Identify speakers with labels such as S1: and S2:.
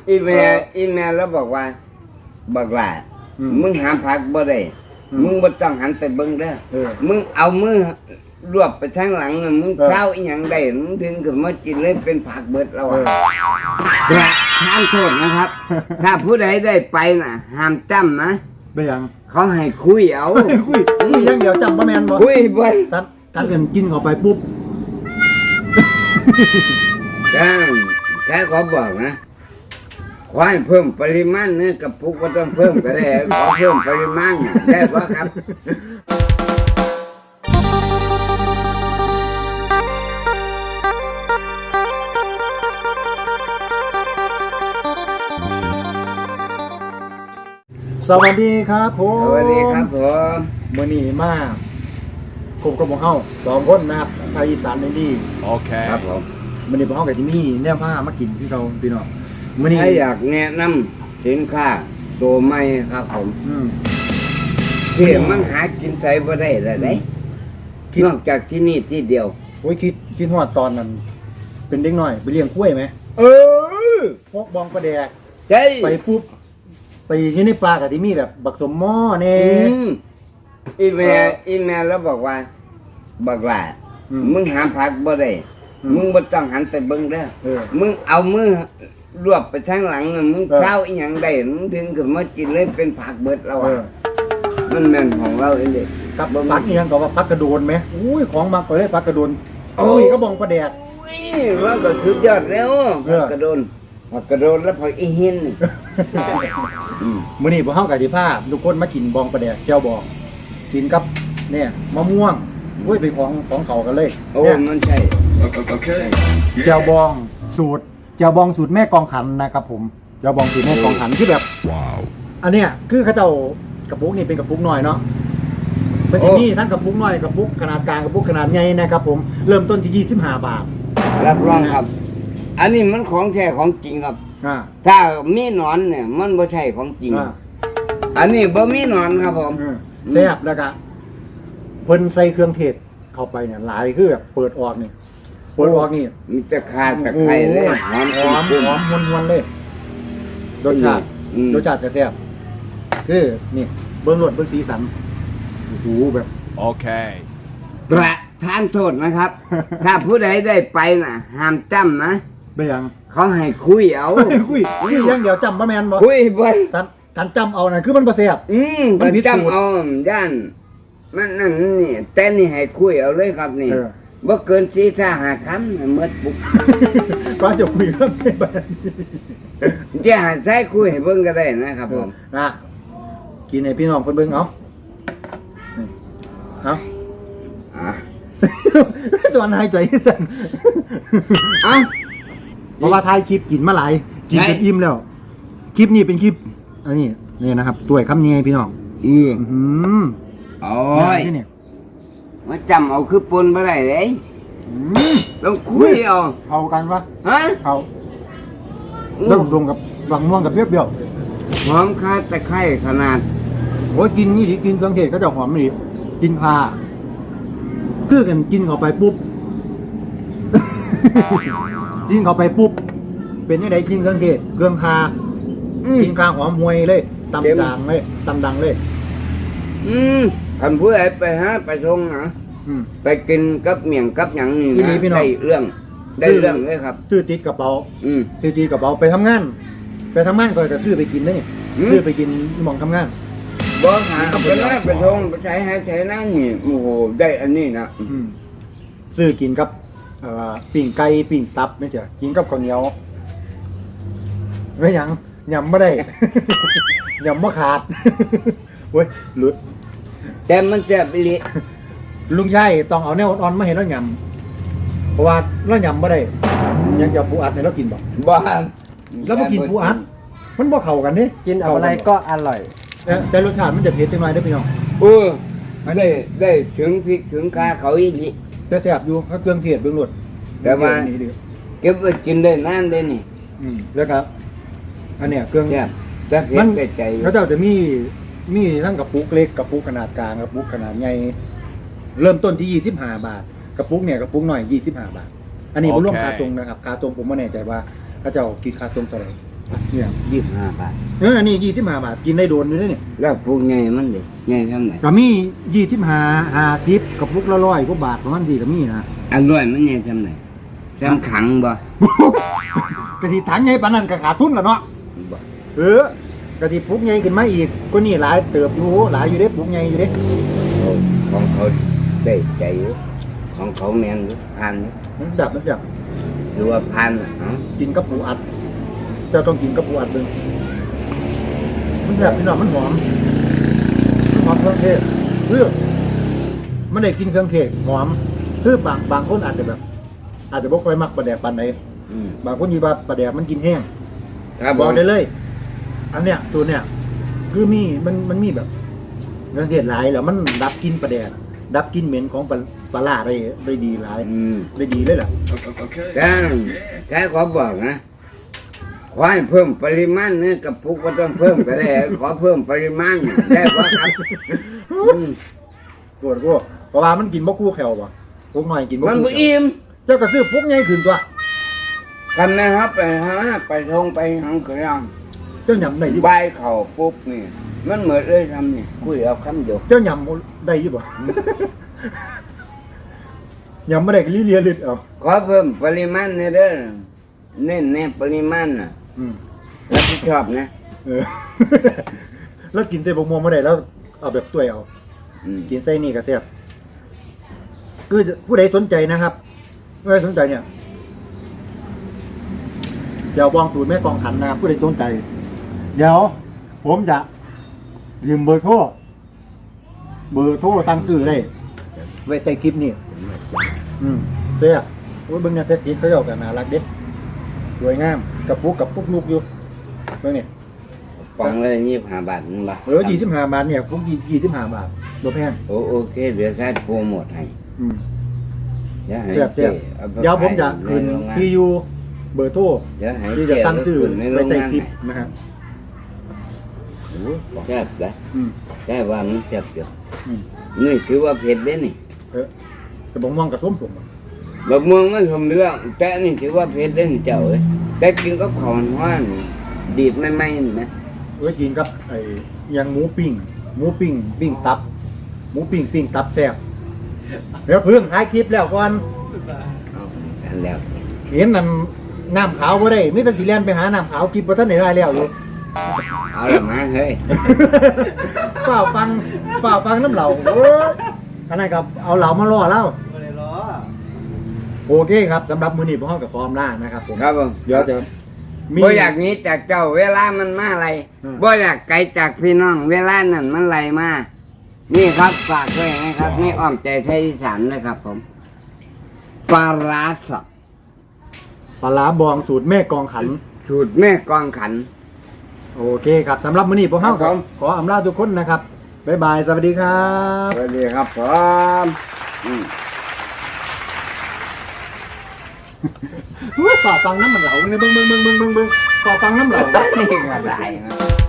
S1: อีแม่แล้วบอกว่าบักหลามึงหาผักบ่ได้มึงบ่ต้องหันไปเบิ่งเด้อมึงเอามือรวบไปทางหลังน่ะมึงเช้าอีหยังได้มึงดึงขึ้นมากินเลยเป็นผักเบิดแล้วแต่ห้ามโทษนะครับ ถ้าผู้ใดได้ไปน่ะห้ามจำนะ
S2: ไปยัง
S1: เขาให้คุยเอา
S2: คุยยังเดี๋ยวจำบ่แม่นบ่
S1: คุยบ่
S2: ท่านเอิ้นกินเข้าไปปุ๊บ
S1: แค่ขอบอกนะขอให้เพิ่มปริมาณเนื้อกระปุกก็ต้องเพิ่มก็ได้ขอเพิ่มปริมาณได้ป่ะครับ
S2: สวัสดีครับผม
S1: สวัสดีครับผม
S2: มื้อนี้มาพบกับพวกเฮา2คนนะครับไทยอีสานในดี
S1: โอเคครับผม
S2: มื้อนี้พวกเฮาก็สิมีแนวผ้ามากินคือเราพี่น้องมื้อนี้
S1: ถ้าอยากแนะนำสินค้าตัวใหม่ครับผมที่มันหากินไสบ่ได้แล้วเด้นอกจากที่นี่ที่เดียว
S2: โอ้ยคิดฮอดตอนนั้นเป็นเด็กน้อยไปเลี้ยงกล้วยมั้ยพวกบองประแดกไปปุ๊บไปอยู่ในป่าก็สิมีแบบบักสมหม้อแน่
S1: อีแม่แล้วบอกว่าบักหลามึงหาผักบ่ได้มึงบ่ต้องหันไปเบิ่งเด้อมึงเอามือรวบไปทางหลังน่ะมึงเช้าอีหยังได้มึงดึงขึ้นมากินเลยเป็นผักเบิดแล้วมันแม่นของเราเองเด้
S2: กับผักอีหยังก็ว่าผักกระโดนมั้ยอุ้ยของมักไปเลยผักกระโดนก็บองประแดก
S1: มันก็สุดยอดแล้วผักกระโดนแล้วผักอีหิน
S2: มื้อนี้พวกเฮาก็สิพาทุกคนมากินบองประแดกแจ่วบองกินกับเนี่ยมะม่วงอุ้ยเป็นของเขากันเลย
S1: โอ้มันใช่โอเค
S2: แจ่วบองสูตรแม่กองขันนะครับผมแจ่วบองสูตรแม่กองขันคือแบบว้าวอันเนี้ยคือเขาเจ้ากระปุกนี่เป็นกระปุกน้อยเนาะเป็นที่นี่ทั้งกระปุกน้อยกระปุกขนาดกลางกระปุกขนาดใหญ่นะครับผมเริ่มต้นที่25 บาท
S1: รับรองครับอันนี้มันของแท้ของจริงครับถ้ามีหนอนเนี่ยมันไม่ใช่ของจริงอันนี้บ่มีหนอนครับผม
S2: แซ่บแล้วก็เพิ่นใส่เครื่องเทศเข้าไปเนี่ยหลายคือแบบเปิดออกนี่
S1: มีตะขาตะไคร้เลยหอม
S2: วนเลยรสชาติจะแซ่บคือนี่เบิ่งรสเบิ่งสีสันโอ้โหแบบ
S1: โอเคประทานโทษนะครับ ถ้าผู้ใดได้ไปน่ะห้ามจำนะ
S2: ไปยัง
S1: เขาให้คุยเอา
S2: คุยยังเดี๋ยวจำบ่แม่นบ่
S1: คุยบ่
S2: ท่านจำเอาน่ะคือมันบ่แซ่บ
S1: มันจำเอาย่านมันนั่นนี่แต่นี่ให้คุยเอาเลยครับนี่บ่เกิน4-5 คำหมดปุ๊บ
S2: ก็จะคุยครับ
S1: จะหาใช้คุยให้เบิ่งก็ได้นะครับผม
S2: นะกินให้พี่น้องเพิ่นเบิ่งเอาตอนหายใจสั่นเพราะว่าถ่ายคลิปกินมาหลายกินจนอิ่มแล้วคลิปนี้เป็นคลิปอันนี้นี่นะครับด้วยคำนี้พี่น้อง
S1: โอ้ยมาจำเอาคือปนไปได้เลยลองคุย
S2: เอากันปะเอาแล้วดงกับวังม่วงกับเปรี้ยว
S1: หอมคาตะไคร้ขนาด
S2: โอ้ยกินนี่ดิกินเครื่องเทศก็จะหอมนี่กินพาคือกันกินเข้าไปปุ๊บกินเข้าไปปุ๊บเป็นยังไงกินเครื่องเทศเครื่องพากินข้าวหอมห่วยเลยตำดังเลย
S1: ทำเพื่อไปไปชงนะไปกินกับเมี่ยงกับอย่างนี้นะได้เรื่องเลยครับ
S2: ซื้อติดกระเป๋าไปทำงานก็จะซื้อไปกินเลยซื้อไปกินมองทำงาน
S1: บ่หาไปนะไปชงไปใช้นั่นนี่โอ้โหได้อันนี้นะ
S2: ซื้อกินกับปิ่งไก่ปิ่งตับไม่ใช่กินกับข้าวเหนียวไม่ยังยำไม่ได้ยำไม่ขาดเว้ยหลุด
S1: แต่มันแซ่บอีหลี
S2: ลุงชัยต้องเอาแนวอ่อนมาเห็นแล้วยำเพราะว่าเรายำไม่ได้ยังจะปูอัดในเรากินบ่แล้วมากินปูอัดมันบ่เข้ากันนี่
S3: กินอะไรก็อร่อย
S2: แต่รสชาติมันจะเผ็ดจังหน่อยได้พี่น้อง
S1: ได้ถึงพริกถึงข่าเขาอีหลี
S2: แต่แซ่บอยู่เขาเครื่องเทศเบื้องหลัง
S1: แต่ว่าเก็บไว้กินได้นานได้นี่
S2: แล้วครับอันเนี้ยเครื่อง
S1: แต่เผ็ดได้ใจ
S2: แล้วเจ้าจะมีทั้งกระปุกเล็กกระปุกขนาดกลางกระปุกขนาดใหญ่เริ่มต้นที่25 บาทกระปุกเนี่ยกระปุกหน่อย25 บาทอันนี้ผมรวมค่าตรงนะครับค่าตรงผมไม่แน่ใจว่าเขาเจ้าคิดค่าตรงเท่าไหร่เนี่ย
S1: 25 บาท
S2: อันนี้25 บาทกินได้โดนอยู่เด้นี่
S1: แล้วพวกใหญ่มันดิใหญ่ทำไหน
S2: ก็มี25 50กับปุกละ100กว่าบาทประมาณนี้ก็มีนะ
S1: อันร้อยมันใหญ่ทำไหนทำขังบ่
S2: กะทิถังใหญ่ปานนั้นก็ขาดทุนแล้วเนาะ
S1: บ่
S2: กะทิปุกใหญ่ขึ้นมาอีกก็นี่หลายเติบอยู่หลายอยู่เด้ปุกใหญ่อยู่เด้
S1: โอ้ของเขาได้ใจอยู่ของเขาแม่นอยู่ผ่านอยู่
S2: มันดับ
S1: หรือว่าผ่านน่ะเอ้า
S2: กินกับปูอัดเจ้าต้องกินกับปูอัดเบิ่งมันแบบพี่น้องมันหอมเครื่องเทศมันได้กินเครื่องเทศหอมคือบางคนอาจจะแบบ อาจจะบ่ค่อยมักปลาแดกปานใด
S1: อืม
S2: บางคนยีว่าปลาแดกมันกินแห้ง
S1: ครับ
S2: บอกได้เลย อันเนี้ยตัวเนี้ยคือมันมีแบบเครื่องเทศหลายแล้วมันดับกลินปลาแดกดับกลินเหม็นของปลาร้าได้ดีหลาย
S1: อืม
S2: ได้ดีเลยล่ะ
S1: แต่ขอบอกนะขอให้เพิ่มปริมาณเนื้อกระปุกก็ต้องเพิ่มก็ได้ขอเพิ่มปริมาณได้ป่ะครับอืม
S2: โกรธเพราะว่ามันกินบ่คู่แขวบ่พวกหน่อยกินบ่
S1: มัน
S2: คู่
S1: บ่
S2: แขว
S1: อิ่ม
S2: เจ้าก็ซื้อพวกใหญ่ขึ้นตัว
S1: กันนะครับไปหาไปทงไปหังกระยัง
S2: เจ้าหยำได้อยี่
S1: ใบ
S2: บ่
S1: เข่าปุ๊บนี่มันเหมือนเลยทำนี่คุยเอาคำเดียว
S2: เจ้าหยำได้อยี่บ่ หยำไม่ได้ก็เลียลิดเอา
S1: ขอเพิ่มปริมาณในเด้อเน้นในปริมาณน่ะ
S2: อืม
S1: รับผิดชอบนะ
S2: เออ แล้วกินแต่บกม่วงไม่ได้แล้วเอาแบบตัวยเอา
S1: อืม
S2: กินไส้นี่ก็แซ่บคือผู้ใดสนใจนะครับผู้ใดสนใจเนี่ยเดี๋ยววางสูตรแม่กองขันนะครับผู้ใดสนใจ เดี๋ยว ผมจะยืมเบอร์โทรสั่งซื้อได้ไว้ใต้คลิปนี่เสียโอ้ยเบิ่งเนี่ยเพชรติดเขาเจ้ากันน่ารักเด็ดสวยงามกับปุ๊กลูกอยู่เบิ่งเนี่ย
S1: ปองเลย25 บาทนั่นบ่
S2: 25 บาทเนี่ยปุ๊ก25 บาทบ่แพง
S1: โอเคเดี๋ยวแค่โปรโมทให้
S2: อืม
S1: เดี๋ยวให้
S2: เสียบ
S1: เจ๊อาไป
S2: เดี๋ยวผมจะ
S1: ขาย
S2: คืน
S1: ในโรงงาน
S2: ที่อยู่เบอร์โทร
S1: เดี๋ยวให้
S2: ที่
S1: เจ๊
S2: จะสั่งซื้อ
S1: ขึ้นในโร
S2: ไว้
S1: ง
S2: ใต้
S1: งาน
S2: คลิป
S1: ให้
S2: นะครับ
S1: โอ้แซ่บเลย
S2: อืม
S1: แต่ว่ามันแซ่บอยู่
S2: อืม
S1: นี่ถือว่าเผ็ดเด้นี่
S2: แต่บ่ม่วงกับส้มผม
S1: บักม่วงมันสมเรื่องแต่นี่ถือว่าเผ็ดเด้นี่เจ้าเอ้ยแต่กินกับข้าวห้อนดีดไม่ๆนี่นะ
S2: กินกับไอ้ยังหมูปิ้งปิ้งตับหมูปิ้งตับแซ่บเดี๋ยวเพิ่งท้ายคลิปแล้วก่อน
S1: เอากันแล้ว
S2: เห็นนั่นน้ำขาวบ่ได้มีแต่สิแล่นไปหาน้ำขาวคลิปบ่ทันได้แล้วอยู่
S1: เอาละมาเฮ้ย
S2: ฝ้าฟังน้ำเหล่าโอ้ยอันนั้นครับเอาเหล่ามาล่อแล้ว
S3: ไม่ได้ล้อ
S2: โอเคครับสำหรับมื้อนี้พวกเรากับฟอร์มล่านะครับผม
S1: ครับผม
S2: เดี๋ยวจะมี
S1: บ่อยากหนี้จากเจ้าเวลามันมาอะไร
S2: อืม
S1: บ่อยากไกลจากพี่น้อง เวลานั้นมันไหลมานี่ครับฝากด้วยนะครับนี่อ้อมใจไทยอีสานนะครับผมปลาร้าสับ
S2: ปลาร้าบองสูตรแม่กองขัน
S1: สูตรแม่กองขัน
S2: โอเคครับสำหรับมื้อนี้พวกเรา
S1: ครับผม
S2: ขออำลาทุกคนนะครับบ๊ายบายสวัสดีครับ
S1: สวัสดีครับผมอืม
S2: ฝ่าฟังน้ำมันเหลาเนี่ยเบิ่งฝ่าฟังน้ำเหลา
S1: นี่ก็ได้นะ